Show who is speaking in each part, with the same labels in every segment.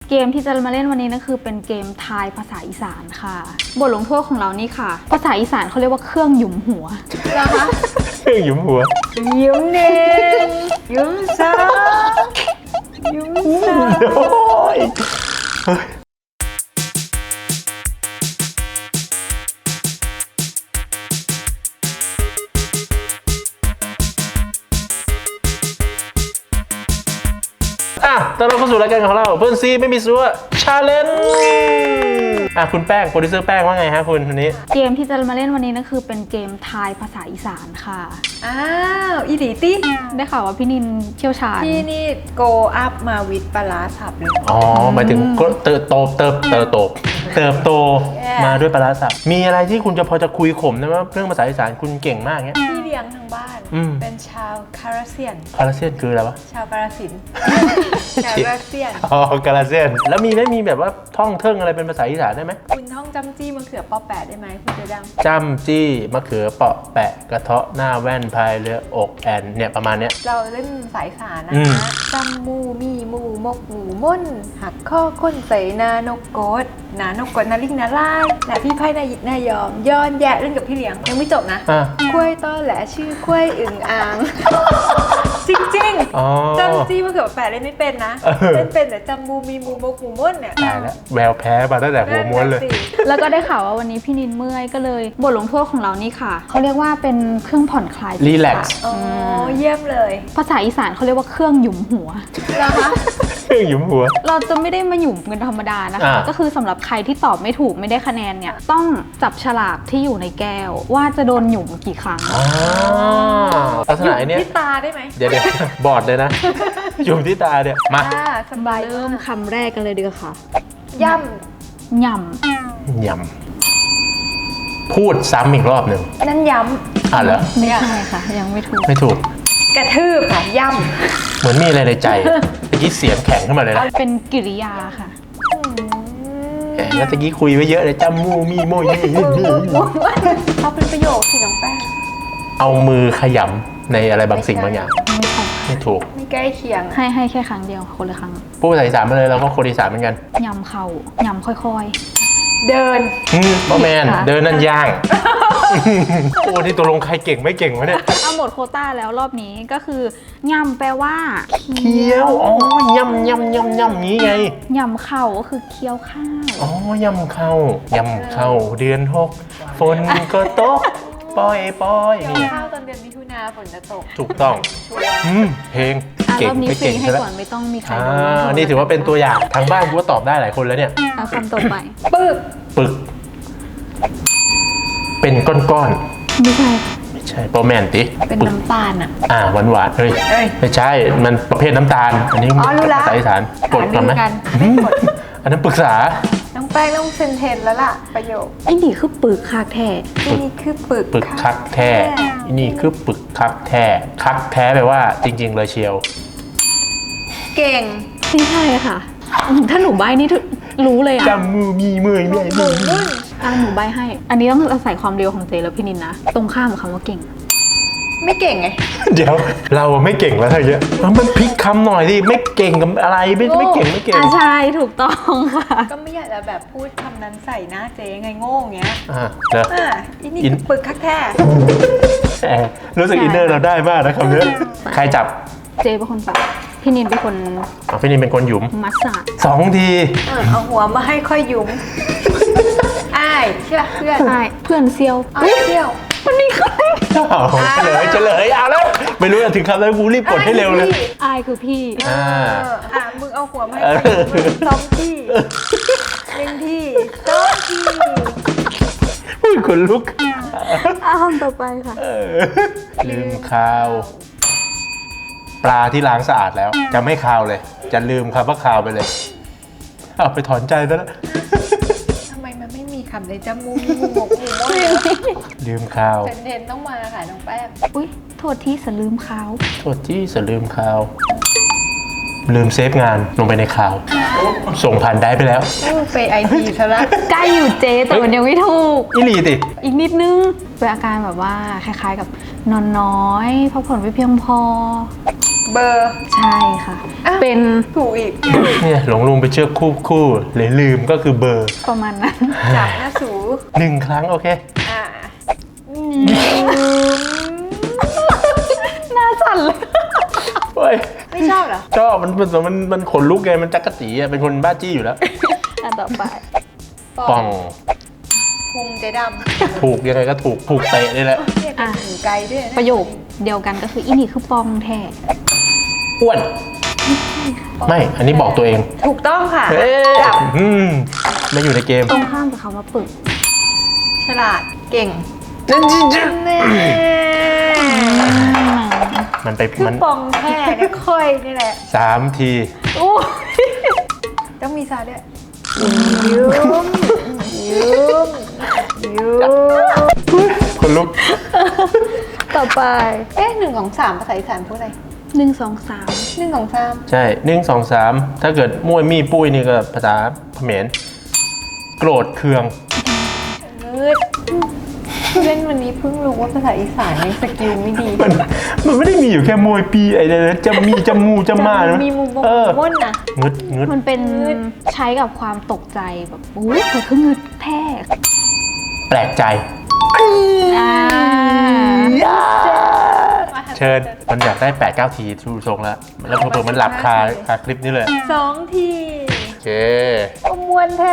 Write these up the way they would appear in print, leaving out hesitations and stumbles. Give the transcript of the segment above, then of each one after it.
Speaker 1: เกมที่จะมาเล่นวันนี้นะคือเป็นเกมทายภาษาอีสานค่ะบทลงโทษของเรานี่ค่ะภาษาอีสานเขาเรียกว่าเครื่องหยุมหัวนะคะ
Speaker 2: เครื่องหยุมหัว
Speaker 1: ยุมหนึ่งยุมสองยุมสาม
Speaker 2: ตอนเราเข้าสู่รายการของเราเพื่อนซีไม่มีซัวชาเลนจ์คุณแป้งโปรดิวเซอร์แป้งว่าไงฮะคุณวันนี้
Speaker 1: เกมที่จะมาเล่นวันนี้นะคือเป็นเกมทายภาษาอีสานค่ะ
Speaker 3: อีหลีตี้
Speaker 1: ได้ข่าวว่าพี่นินเชี่ยวชาญ
Speaker 3: พี่นี่โกอัพมาวิดปลาสับเลย
Speaker 2: หมายถึงเติบโตมาด้วยปลาสับมีอะไรที่คุณจะพอจะคุยข่มนะว่าเรื่องภาษาอีสานคุณเก่งมากเนี้ย
Speaker 3: พี่เลี้ยงทางบ้านเป็นชาวคาราเซียน
Speaker 2: คืออะไรวะ
Speaker 3: ชาวกาฬสินธุ์กาฬเซียน
Speaker 2: กาฬเซียนแล้วมีแบบว่าท่องเทิงอะไรเป็นภาษาอีสานได้ไหม
Speaker 3: คุณท่องจำจี้มะเขือปอแปะได้ไหมคุณเจดัง
Speaker 2: จำจี้มะเขือเปาะแปะกระเทาะหน้าแว่นพายเรืออกแอนเนี่ยประมาณเนี้ย
Speaker 3: เราเล่นสายสารนะคะจำมูมีมูมกหมูม่นหักข้อค้นใส่นานกโกดนาลิงนาลายนาพี่ไพ่นายิดนายอมย้อนแยะเล่นกับพี่เลี้ยงยังไม่จบนะคุ้ยต้อแหละชื่อคุ้ยอึ่งอ่างจริงๆจำจี้มะเขือแปะเล่นไม่เป็นนะเล่นเป็นแต่จำมูมีมูมกหมูม่นเนี่ย
Speaker 2: ตายแล้วแววแพ้มาตั้งแต่หัวม้วนเลย
Speaker 1: แล้วก็ได้ข่าวว่าวันนี้พี่นินเมื่อยก็เลยบทลงโทษของเรานี่ค่ะเขาเรียกว่าเป็นเครื่องผ่อนคลาย
Speaker 2: รีแลกซ์
Speaker 3: เยี่ยมเลย
Speaker 1: ภาษาอีสานเขาเรียกว่าเครื่องหยุมหัว
Speaker 3: นะคะ
Speaker 2: เครื่องหยุมหัว
Speaker 1: เราจะไม่ได้มาหยุมกันธรรมดานะคะก็คือสำหรับใครที่ตอบไม่ถูกไม่ได้คะแนนเนี่ยต้องจับฉลากที่อยู่ในแก้วว่าจะโดนหยุมกี่ครั้ง
Speaker 2: ลักษณะนี้
Speaker 3: ที่ตาได้ไหม
Speaker 2: เดี๋ยวบอดเลยนะหยุมที่ตาเนี่ยมา
Speaker 1: สบายเริ่มคำแรกกันเลยดีกว่าค่ะ
Speaker 3: ย่
Speaker 2: ำพูดซ้ำอีกรอบหนึ่ง
Speaker 3: นั่นย้ำ
Speaker 2: เหรอ
Speaker 1: ไม่ใช่ค่ะยังไม่
Speaker 2: ถูก
Speaker 3: กระทืบค่ะย่
Speaker 2: ำเหมือนมีอะไรในใจตะกี้เสียงแข็งขึ้นมาเลยนะ
Speaker 1: เป็นกิริยาค่ะ
Speaker 2: แล้วตะกี้คุยไว้เยอะเลยจำมูมีโมย
Speaker 3: เขาเป็นประโยคที่น้องแป้ง
Speaker 2: เอามือขยำในอะไรบางสิ่งบางอย่างไม่ถูก
Speaker 3: ไม่ใกล้เคียง
Speaker 1: ให้แค่ครั้งเดียวคนละครั้ง
Speaker 2: พูดภาษาอีสานมาเลยเราก็คนอีสานเหมือนกัน
Speaker 1: ยำเข่ายำค่อย
Speaker 3: ๆเดิน
Speaker 2: บอแมนเดินนั่นย่างโอ้ที่ตัวลงใครเก่งไม่เก่งวะเนี่ย
Speaker 1: เอาหมดโควต้าแล้วรอบนี้ก็คือยำแปลว่า
Speaker 2: เคี้ยวยำนี้ไง
Speaker 1: ยำเข่าก็คือเคี้ยวข้าวย
Speaker 2: ำเข้าเดือน6ฝนก็ตกปอย
Speaker 3: นี่ข้าวตอนเดือนมิถุนาฝนจะตก
Speaker 2: ถูกต้องเพลง
Speaker 1: เก่งไม่เก่งให้ก่อนไม่ต้องมีใคร
Speaker 2: นี่ถือว่าเป็นตัวอย่างทางบ้านกูก็ตอบได้หลายคนแล้วเนี่ย
Speaker 1: เอาคำต่อไป
Speaker 3: ปึก
Speaker 2: เป็นก้อน
Speaker 1: ไม่ใช่
Speaker 2: โปรแมนติ
Speaker 3: เป็นน้ำตาล
Speaker 2: หวานเฮ้ยไม่ใช่มันประเภทน้ำตาลอันนี้ภาษาอีสานกดกันไหมอันนั้นปรึกษา
Speaker 3: น้องแป้งต้องเซนเทนแล้วล่ะประโยค
Speaker 1: ไอ้นี่คือปึกคักแท้
Speaker 3: นี่คือปึก
Speaker 2: คักแท้นี่คือปึกคักแท้คักแท้แปลว่าจริงๆเลยเชียว
Speaker 3: เก่ง
Speaker 1: ไม่ใช่ค่ะถ้าหนูใบนี่รู้เลย
Speaker 2: จำมือมีเมื่อยห
Speaker 1: นูใบให้อันนี้ต้องอาศัยความเร็วของเจแล้วพี่นินนะตรงข้ามกับคำว่าเก่ง
Speaker 3: ไม่เก่งไง
Speaker 2: เดี๋ยวเราไม่เก่งแล้วเธอเยอะมันพลิกคำหน่อยดิไม่เก่งกับอะไรไม่เก่ง
Speaker 1: ใช่ถูกต้องค่ะ
Speaker 3: ก็ไม่อยากจะแบบพูดคำนั้นใส่หน้าเจ๊ไงโง่เงี้ย
Speaker 2: นี่
Speaker 3: ปึกคักแท้
Speaker 2: รู้สึกอินเนอร์เราได้มากนะคำนี้ใครจับ
Speaker 1: เจเป็นคนจับพี่นินเป็นคน
Speaker 2: พี่นินเป็นคนหยุม
Speaker 1: มัสซา
Speaker 2: 2 ที
Speaker 3: เอาหัวมาให้ค่อยหยุมเชื่อเ
Speaker 1: พื่อนเซียว
Speaker 3: วันนี้ใคร
Speaker 2: เฉลยเอาแล้วไม่รู้ถึงคำแล้วกูรีบกดให้เร็วเลย
Speaker 1: คือพี่
Speaker 3: มึงเอาหัวมาให้2 ที่1 ที่2 ที่
Speaker 2: พูดคนลุก
Speaker 1: คำต่อไปค่ะ
Speaker 2: ลืมข่าวปลาที่ล้างสะอาดแล้วจะไม่คาวเลยจะลืมคำว่าคาวไปเลยเอาไปถอนใจซะแล้ว
Speaker 3: ทำไมมันไม่มีคำในจมูกมีหมู
Speaker 2: ลืมข่าว
Speaker 3: เทนต้องมาค่ะน้องแป้ง
Speaker 1: โทษที่สลืมข่าว
Speaker 2: ลืมเซฟงานลงไปในข่าวส่งผ่านได้ไปแล้ว
Speaker 3: ไปIT ซะละ
Speaker 1: ใกล้อยู่เจแต่มันยังไม่ถูก
Speaker 2: อีหลีติ
Speaker 1: อีกนิดนึงเป็นอาการแบบว่าคล้ายๆกับนอนน้อยพักผ่อนไม่เพียงพอ
Speaker 3: เบอร์
Speaker 1: ใช่ค่ะ
Speaker 3: อ่ะ
Speaker 1: เป็น
Speaker 3: ถูกอีก
Speaker 2: เนี่ยหลงลุงไปเชือกคู่เลยลืมก็คือเบอร์
Speaker 1: ประมาณนั้น
Speaker 3: จับหน้าสู
Speaker 2: 1 ครั้งโอเค
Speaker 3: อ่า
Speaker 1: หน้าสั่นเลย
Speaker 2: เฮ้ย
Speaker 3: ไม่ชอบเหรอ
Speaker 2: ชอบมันขนลุกไงมันจักกะจีอ่ะเป็นคนบ้าจี้อยู่แล้ว
Speaker 1: อันต่อไป
Speaker 2: ป่อง
Speaker 3: พุงเจ๊ด
Speaker 2: ถูกยังไงก็ถูกเตะนี่แหละ
Speaker 3: ำเนี่ยเป็นหูไกลด้วยน
Speaker 1: ประโยคเดียวกันก็คืออีนี่คือปองแท้
Speaker 2: อ้วน ไม่ อันนี้บอกตัวเอง
Speaker 3: ถูกต้องค่ะ
Speaker 2: เอ๊ะ
Speaker 3: จับ
Speaker 2: ไม่อยู่ในเกม
Speaker 1: ตรงข้ามกับคำว่าปึก
Speaker 3: ฉลาดเก่ง แน่
Speaker 2: มันไป
Speaker 3: คือ
Speaker 2: มัน
Speaker 3: ปองแท้เนี่ยค่อยนี่แหละ
Speaker 2: 3 ที
Speaker 1: โอ้ย
Speaker 3: ต้องมีซาด้วยยืมยืมยืม
Speaker 2: คนลุก
Speaker 1: ต่อไป
Speaker 3: 1 2 3ภาษาอีสานพูดอะไร
Speaker 1: 1 2 3
Speaker 3: 1 2 3
Speaker 2: ใช่ 1 2 3 ถ้าเกิดมวยมี่ปุ้ยนี่ก็ภาษาเขมรโกรธเคือง
Speaker 3: มืดเล่นวันนี้เพิ่งรู้ว่าภาษาอีสานยังสกิลไม่ดี
Speaker 2: มันไม่ได้มีอยู่แค่มวยปีไอ้เนี่ยจะมีจะมูจะมานะ
Speaker 3: มีมุม
Speaker 2: เออ
Speaker 3: ม่นนะ
Speaker 2: งึด
Speaker 1: มันเป็นใช้กับความตกใจแบบอุ้ยเกิดขึ้นเงึดแท้
Speaker 2: แปลกใจ
Speaker 1: อ่า
Speaker 2: เชิญมันอยากได้ 8-9 ทีทูทรงแล้วแล้วเผื่อๆมันหลับคาคลิปนี้เลย
Speaker 3: 2 ที
Speaker 2: โอเค
Speaker 3: อมวนแท้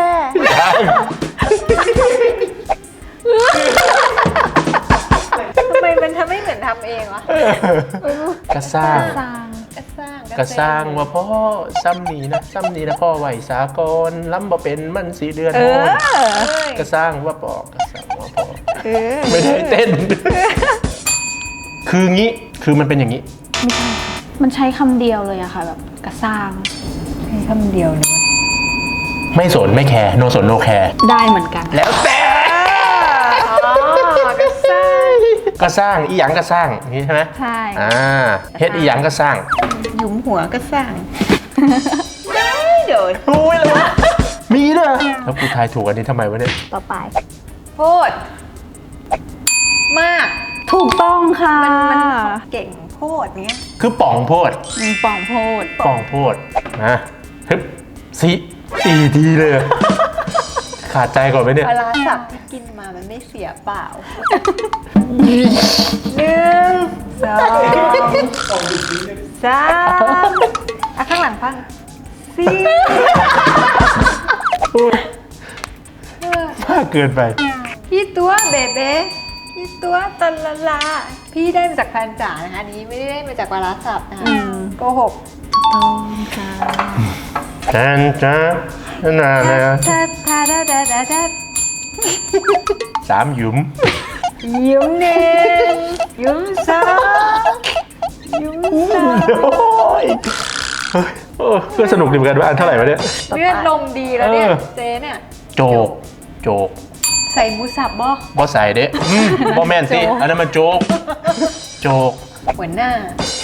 Speaker 3: ทำไมมันทำไม่เหมือนทำเองวะ
Speaker 2: ก็สร้าง
Speaker 1: สร้าง
Speaker 2: ก็สร้างว่าพ่อซ้ำนี้นะพ่อไหวสากลล้ำบ่เป็นมันสีเดือนโอนก็สร้างว่าปอกก็สร้างว่าพ่อไม่ได้เต้น คืองี้คือมันเป็นอย่างนี้
Speaker 1: ไม่ใช่ค่ะมันใช้คำเดียวเลยอะค่ะแบบกระสร้าง
Speaker 3: ให้คำเดียวเลย
Speaker 2: ไม่สนไม่แคร์โนสนโนแคร์
Speaker 1: ได้เหมือนกัน
Speaker 2: แล้วแต่
Speaker 3: อ๋อก็สร้าง
Speaker 2: ก็สร้างอีหยังก็สร้างนี่ใช่ไหม
Speaker 1: ใช่
Speaker 2: เฮ็ดอีหยังก็สร้าง
Speaker 3: หยุมหัวก็สร้างได้โดน
Speaker 2: อุ้ยเลยวะมีเด้อแล้วกูทายถูกอันนี้ทำไมวะเนี่ย
Speaker 1: ต่อไป
Speaker 3: โพดมาก
Speaker 1: ถูกต้องค่ะ
Speaker 3: มันเก่งโพดเนี้ย
Speaker 2: คือป่องโพด
Speaker 1: มีป่องโพด
Speaker 2: ป่องโพดนะฮึบสี่ทีเลยอะขาดใจก่อนไหมเนี่ย
Speaker 3: ปลาร้าสับที่กินมามันไม่เสียเปล่า 1 2 3อ่ะข้างหลังฟัง4
Speaker 2: มากเกินไป
Speaker 3: พี่ตัวเบเบ้พี่ตัวตะละลาพี่ได้มาจากแฟนจ๋านะคะอันนี้ไม่ได้มาจากปลาร้าสับนะคะโกหก
Speaker 1: ต้องค่ะ
Speaker 2: แทนจ้านานะ
Speaker 3: ทาทาดาดาดาดา
Speaker 2: 3 หยุม
Speaker 3: ยิ้ม1ยิ้ม2ยิ้ม3
Speaker 2: โอ้ยเฮ้ยโอ้ก็สนุกดีเหมือนกันว่าอันเท่าไหร่วะเนี่ย
Speaker 3: เลือดลมดีแล้วเนี่ย
Speaker 2: เออ
Speaker 3: เจ๊เนี่ย
Speaker 2: โจก
Speaker 3: ใส่หมูสับบ่
Speaker 2: บ่ใส่เด้บ่แม่นสิอันนั้นมันโจก
Speaker 3: หัวหน้า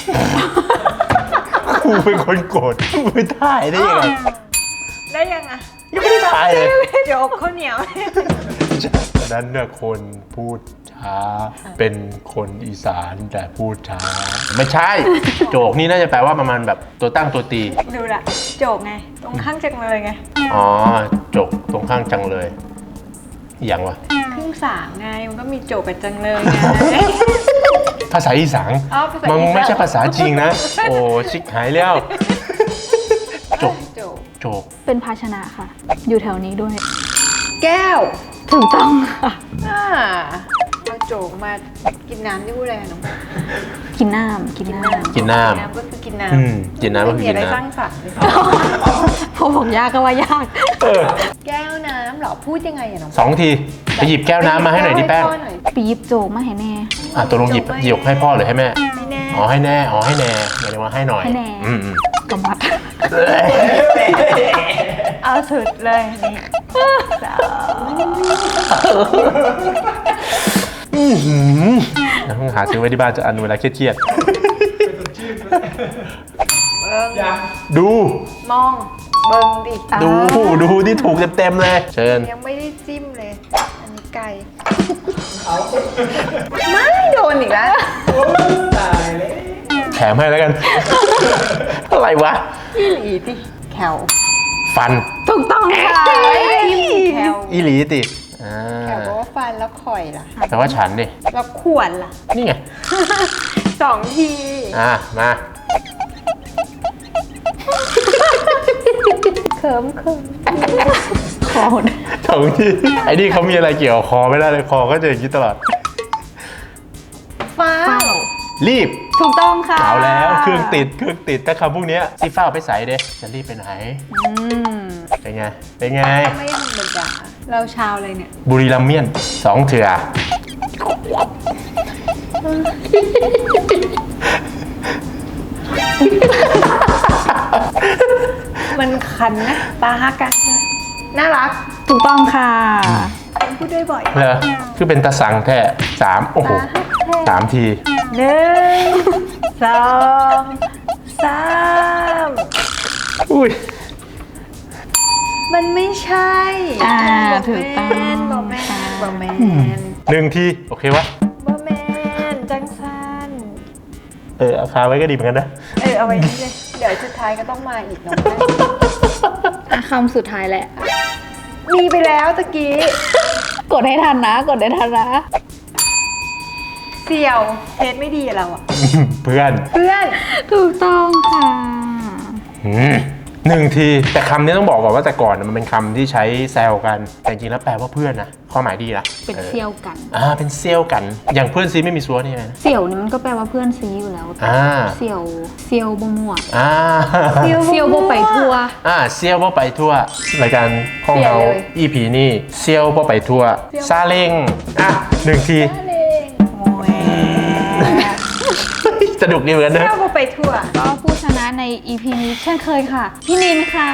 Speaker 2: กูเป็นคนโกรธกูไปถ่ายได้ยังไง
Speaker 3: ได้ยังอ่ะ
Speaker 2: ยังไม่ได้ถ่ายเลย
Speaker 3: โจกข้าวเหนียว
Speaker 2: อันนั้นเนี่ยคนพูดช้า เป็นคนอีสานแต่พูดช้า ไม่ใช่ โจกนี่น่าจะแปลว่าประมาณแบบตัวตั้งตัวตี
Speaker 3: ดูละโจกไง ตรงข้างจังเลยไง
Speaker 2: อ๋อโจกตรงข้างจังเลยอหย่างวะ
Speaker 3: ครึ่งสางไง มันก็มีโจกกับจังเลยไง
Speaker 2: ภาษาอีสาน
Speaker 3: อ๋อภาษาอีสาน
Speaker 2: มันไม่ใช่ภาษาจริงนะ โอ้ชิกหายแล้ว โจก
Speaker 3: โจก
Speaker 2: โจก
Speaker 1: เป็นภาชนะค่ะ อยู่แถวนี้ด้วย
Speaker 3: แก้ว
Speaker 1: ถูกต้องค่ะ
Speaker 3: เอาโจกมากินน้ำที่พูดอะไรอะน้อง
Speaker 1: กินน้ำกินน้ำ
Speaker 2: กินน้
Speaker 3: กินน้ำก็คือกินน้
Speaker 2: ำกินน้ำก็คือ
Speaker 3: มี
Speaker 2: กิ
Speaker 3: อะ
Speaker 2: น
Speaker 3: ไร
Speaker 2: น้
Speaker 3: สร้างสรรค์เลย
Speaker 1: พอผมยากก็ว่ายาก
Speaker 2: ำเออ
Speaker 3: แก้วน้ำเหรอ พูดยังไงอะน้อง
Speaker 2: 2 ทีไปหยิบแก้วน้ำมาให้หน่อยดิแป้ง
Speaker 3: ให้พ่อหน่อย
Speaker 1: ปีบโจกมาให้แน่
Speaker 2: ตัวลงหยิบให้พ่อหรือให้แม่
Speaker 3: ไม่แน่
Speaker 2: อ๋อให้แน่หมายถึงว่าให้หน่อย
Speaker 1: ให้แน่
Speaker 2: อืม
Speaker 1: กำมัด
Speaker 3: เอาสุดเลยนี่สาว
Speaker 2: ต้องหาซื้อไว้ที่บ้านจะอันเวลาเครียด
Speaker 3: เบิ้ง
Speaker 2: ๆดู
Speaker 3: มอง เบิ้งดิ
Speaker 2: ดูที่ถูกเต็มๆเลย เชิญ
Speaker 3: ยังไม่ได้จิ้มเลย อันนี้ไก่ไม่โดนอีกแล้ว
Speaker 2: แทมให้แล้วกัน อะไรวะ
Speaker 3: อีหลีติแคล
Speaker 2: ฟัน
Speaker 1: ถูกต้องค่ะ
Speaker 3: แคล
Speaker 2: อีหลีติอ่า
Speaker 3: แคลบอกว่าฟันแล้วข่อยล่ะ
Speaker 2: แต่ว่าฉันดิ
Speaker 3: แล้วข่วนล่ะ
Speaker 2: นี่ไง
Speaker 3: 2 ที
Speaker 2: มา
Speaker 3: เขิม
Speaker 1: คอหด
Speaker 2: สองทีไอ้นี่เขามีอะไรเกี่ยวกับคอไม่ได้เลยคอก็จะอย่างนี้ตลอด
Speaker 3: ฟ้า
Speaker 1: เฝ้า
Speaker 2: รีบ
Speaker 1: ถูกต้องค่ะ
Speaker 2: เอาแล้วเครื่องติดถ้าคำพวกเนี้ยซีฟ้าเอาไปใส่เด้จะรีบไปไหน
Speaker 1: อืม
Speaker 2: เป็นไง เป็นไง
Speaker 3: ไม่ธรรมดาเราชาวเลยเนี่ย
Speaker 2: บุรีรัมย์เมียน2 เถื่อ
Speaker 3: มันคันนะตาฮักกันน่ารัก
Speaker 1: ถูกต้องค่ะ
Speaker 3: พูดด้วยบ่อย
Speaker 2: เหรอคือเป็นตาสังแท้3โอ้โห3 ที
Speaker 3: 1 2 3
Speaker 2: อุ้ย
Speaker 3: มันไม่ใช่
Speaker 1: ถูกต้อง
Speaker 3: บอแมน
Speaker 1: ค่ะ
Speaker 3: บอแมน
Speaker 2: 1 ที โอเควะ
Speaker 3: บอแมนจังสัน
Speaker 2: เอาคาไว้ก็ดีเหมือนกันนะ
Speaker 3: เอาไว้นี่เลย เดี๋ยวสุดท้ายก็ต้องมาอีกน้องแม่
Speaker 1: อ่ะคำสุดท้ายแหละ
Speaker 3: มีไปแล้วตะกี้
Speaker 1: กดให้ทันนะ กดให้ทันนะ
Speaker 3: เสี่ยวเทสไม่ดีอะเราอะ
Speaker 2: เพื่อน
Speaker 3: เพื่อน
Speaker 1: ถูกต้องค่ะ
Speaker 2: 1 ที แต่คำนี้ต้องบอกก่อนว่าแต่ก่อนมันเป็นคำที่ใช้แซวกัน แต่จริงๆแล้วแปลว่าเพื่อนนะความหมายดีนะ
Speaker 1: เป็นเซี่ยวกัน
Speaker 2: เป็นเซี่ยวกัน อย่างเพื่อนซีไม่มีซัวนี่ไงนะ
Speaker 1: เสี่ยวนี่มันก็แปลว่าเพื่อนซีอยู่แล้ว เสี่ยวบ่มั่ว เซี่ยวบ่ไปทัวร์
Speaker 2: เซี่ยวบ่ไปทั่วรายการห้องเรา EP นี่เซี่ยวบ่ไปทั่วซาเล้ง1 ที
Speaker 3: เลงโอ้ย
Speaker 2: สนุกดีเหมือนกันนะ
Speaker 3: เที่ยวไปทั่ว
Speaker 1: ก็ผู้ชนะใน EP นี้เช่นเคยค่ะ พี่นินค่ะ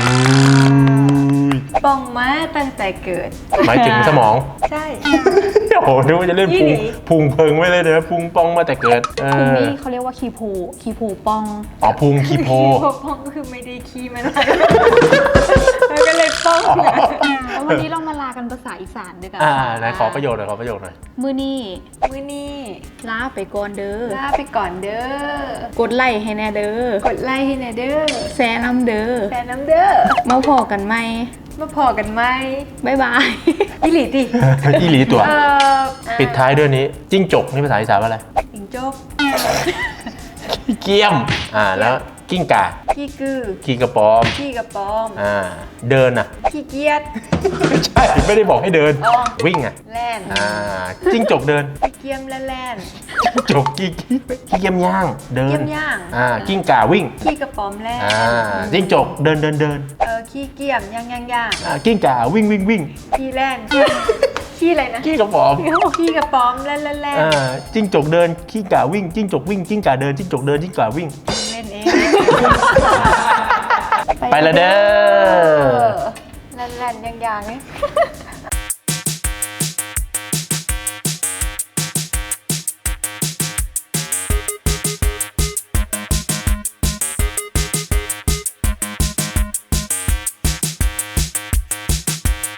Speaker 3: ปองมาตั้งแต่เกิด
Speaker 2: หมายถึงสมอง
Speaker 3: ใช่
Speaker 2: โอ้โหนึกว่าจะเล่น
Speaker 3: ยี่หลี
Speaker 2: พุงเพิงไม่เลยนะพุงปองมาแต่เกิด
Speaker 1: คุณนี่เขาเรียกว่าคีโพป้อง
Speaker 2: พุงคีโพ
Speaker 3: ปองคือไม่ได้ขี้มันอะไรแล้วก็เลยป้อง
Speaker 1: แล้ววันนี้เรามาลากันภาษาอีสานด้วยกัน
Speaker 2: ไหนขอประโยชน์หน่อยขอประโยชน์หน่อย
Speaker 1: มื้อนี้
Speaker 3: มื้อนี้
Speaker 1: ลาไปก่อนเด้อ
Speaker 3: ลาไปก่อนเด้อ
Speaker 1: กดไลค์ให้แน่เด้อ
Speaker 3: กดไลค์ให้หน่อยเด้อ
Speaker 1: แซะน้ำเด้อ
Speaker 3: แฟนน้ำเด้อ
Speaker 1: มาพอกันไหม
Speaker 3: มาพอกันไหม
Speaker 1: บ๊ายบาย
Speaker 3: อีหลีติ
Speaker 2: อีหลีตัว
Speaker 3: เอ่อ
Speaker 2: ปิดท้ายด้วยนี้ จิ้งจกนี่ภาษาอีสานว่าอะไร
Speaker 3: จิงจก
Speaker 2: เกี้ยม แล้วกิ้งก่า
Speaker 3: ขี้กือ
Speaker 2: ขี้กระปอม
Speaker 3: ขี้กระป๋อม
Speaker 2: เดินอ่ะ
Speaker 3: ขี้เกียจ
Speaker 2: ไม่ใช่ ไม่ได้บอกให้เดิน
Speaker 3: อ๋อ
Speaker 2: วิ่งอ่ะ
Speaker 3: แล่น
Speaker 2: จิ้งจกเดิน
Speaker 3: ขี้เกียมและแล่น
Speaker 2: จกกี้เกียมย่าง เดิน
Speaker 3: เกียมย่าง
Speaker 2: กิ้งก่าวิ่ง
Speaker 3: ขี้กระป๋อมแล่น
Speaker 2: จิ้งจกเดิน
Speaker 3: ขี้เกียมย่าง
Speaker 2: กิ้งก่าวิ่ง
Speaker 3: ขี้แล่นขี้อะไรนะ
Speaker 2: ขี้กระป๋อม
Speaker 3: ขี้กระป๋อมแล่นแล่นแล่น
Speaker 2: จิ้งจกเดินกิ้งก่าวิ่งจิ้งจกวิ่งกิ้งก่าเดินจิ้งจกเดินจิ้งก่าวิ่ง
Speaker 3: เล่นเอง
Speaker 2: ไปละเด้อ
Speaker 3: แล่นแล่นย่างๆนี่